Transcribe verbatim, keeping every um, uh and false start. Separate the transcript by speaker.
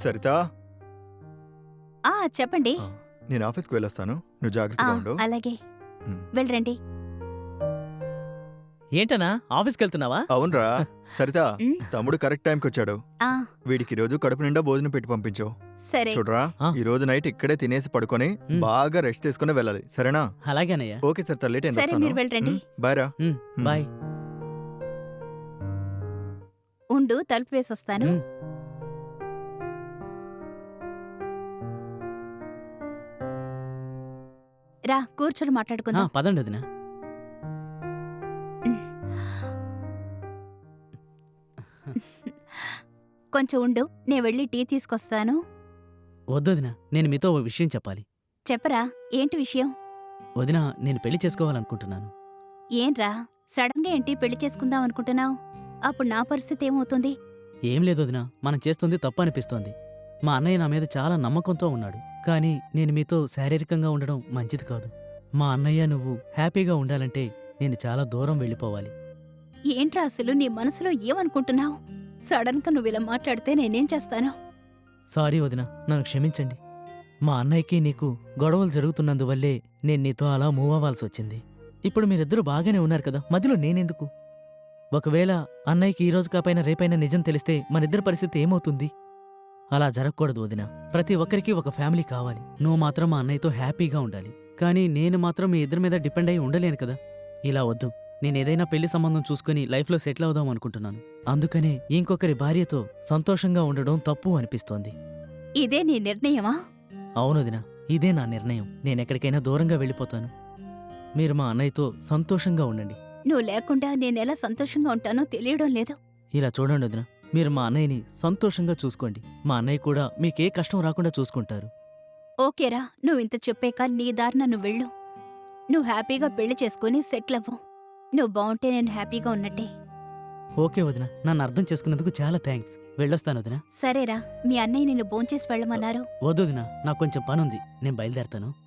Speaker 1: సరితా
Speaker 2: ఆ చెప్పండి.
Speaker 1: ఆ, నేను ఆఫీస్కి వెళ్ళొస్తాను, నువ్వు
Speaker 2: ఆ
Speaker 1: జాగ్రత్తగా ఉండు.
Speaker 2: అలాగే
Speaker 1: ఉమ్.
Speaker 2: వెళ్ళరండి.
Speaker 3: ఏంటనా ఆఫీస్కి వెళ్తున్నావా?
Speaker 1: అవునరా సరితా,
Speaker 2: ఉమ్,
Speaker 1: తమ్ముడు కరెక్ట్ టైంకి వచ్చాడు.
Speaker 2: ఆ
Speaker 1: వీడికి ఈ రోజు కడుపు నిండా భోజనం పెట్టి పంపించు.
Speaker 2: సరే.
Speaker 1: చూడరా,
Speaker 3: ఆ.
Speaker 1: ఈ రోజు నైట్ ఇక్కడే తినేసి పడుకొని
Speaker 3: ఉమ్.
Speaker 1: బాగా రెస్ట్ తీసుకుని వెళ్ళాలి, సరేనా?
Speaker 3: అలాగేనయ్యా.
Speaker 1: ఓకే సరితా, లేట్ అయింది,
Speaker 2: సరే,
Speaker 1: వస్తాను.
Speaker 2: మీరు వెళ్ళండి.
Speaker 1: ఉమ్, బాయ్ రా.
Speaker 3: Um,
Speaker 1: um.
Speaker 3: బాయ్.
Speaker 2: ఉండు, తలుపు వేసొస్తాను.
Speaker 3: ఉమ్,
Speaker 2: రా కూర్చొని
Speaker 3: ఆ,
Speaker 2: మాట్లాడుకుందాం.
Speaker 3: పదండి వదినా.
Speaker 2: కొంచెం ఉండు, నేను వెళ్ళి టీ తీసుకొస్తాను.
Speaker 3: వద్దొదినా, నేను మీతో ఓ విషయం చెప్పాలి.
Speaker 2: చెప్పరా, ఏంటి విషయం?
Speaker 3: వదినా, నేను పెళ్లి చేసుకోవాలనుకుంటున్నాను.
Speaker 2: ఏంరా, సడన్ గా ఏంటి పెళ్లి చేసుకుందాం అనుకుంటున్నావు? అప్పుడు నా పరిస్థితి ఏమవుతుంది?
Speaker 3: ఏం లేదు వదినా, మనం చేస్తుంది తప్పు అనిపిస్తోంది. మా అన్నయ్య నా మీద చాలా నమ్మకంతో ఉన్నాడు. కానీ నేను మీతో శారీరకంగా ఉండడం మంచిది కాదు. మా అన్నయ్య నువ్వు హ్యాపీగా ఉండాలంటే నేను చాలా దూరం వెళ్ళిపోవాలి.
Speaker 2: ఏంట్రా అసలు నీ మనసులో ఏమనుకుంటున్నావు? సడన్ గా నువ్వు ఇలా మాట్లాడితే నేనేం చేస్తాను?
Speaker 3: సారీ వదినా, నన్ను క్షమించండి. మా అన్నయ్యకి నీకు గొడవలు జరుగుతున్నందువల్లే నేను నీతో అలా మూవ్ అవ్వాల్సి వచ్చింది. ఇప్పుడు మీరిద్దరూ బాగానే ఉన్నారు కదా, మధ్యలో నేనెందుకు? ఒకవేళ అన్నయ్యకి ఈ రోజు కాపైనా రేపైనా నిజం తెలిస్తే మనిద్దరి పరిస్థితి ఏమవుతుంది? అలా జరగకూడదు వదినా. ప్రతి ఒక్కరికి ఒక ఫ్యామిలీ కావాలి. నువ్వు మాత్రం మా అన్నయ్యతో హ్యాపీగా ఉండాలి. కానీ నేను మాత్రం మీ ఇద్దరి మీద డిపెండ్ అయి ఉండలేను కదా. ఇలా వద్దు. నేనేదైనా పెళ్లి సంబంధం చూసుకుని లైఫ్లో సెటిల్ అవుదాం అనుకుంటున్నాను. అందుకనే ఇంకొకరి భార్యతో సంతోషంగా ఉండడం తప్పు అనిపిస్తోంది.
Speaker 2: ఇదే నీ నిర్ణయమా?
Speaker 3: అవును వదినా, ఇదే నా నిర్ణయం. నేనెక్కడికైనా దూరంగా వెళ్ళిపోతాను. మీరు మా అన్నయ్యతో సంతోషంగా ఉండండి.
Speaker 2: నువ్వు లేకుండా నేనెలా సంతోషంగా ఉంటానో తెలియడం లేదు.
Speaker 3: ఇలా చూడండి వదినా, మీరు మా అన్నయ్యని సంతోషంగా చూసుకోండి. మా అన్నయ్య కూడా మీకే కష్టం రాకుండా చూసుకుంటారు.
Speaker 2: ఓకేరా, నువ్వు ఇంత చెప్పాక నీ దారిన నువ్వు వెళ్ళు. నువ్వు హ్యాపీగా పెళ్లి చేసుకుని సెటిల్ అవ్వు. నువ్వు బావుంటే నేను హ్యాపీగా ఉన్నట్టే.
Speaker 3: ఓకే వదినా, నన్ను అర్థం చేసుకున్నందుకు చాలా థ్యాంక్స్. వెళ్ళొస్తాను వదినా.
Speaker 2: సరేరా, మీ అన్నయ్య నిన్ను భోంచేసి వెళ్ళమన్నారు.
Speaker 3: వద్దు వదినా, నాకు కొంచెం పనుంది, నేను బయలుదేరతాను.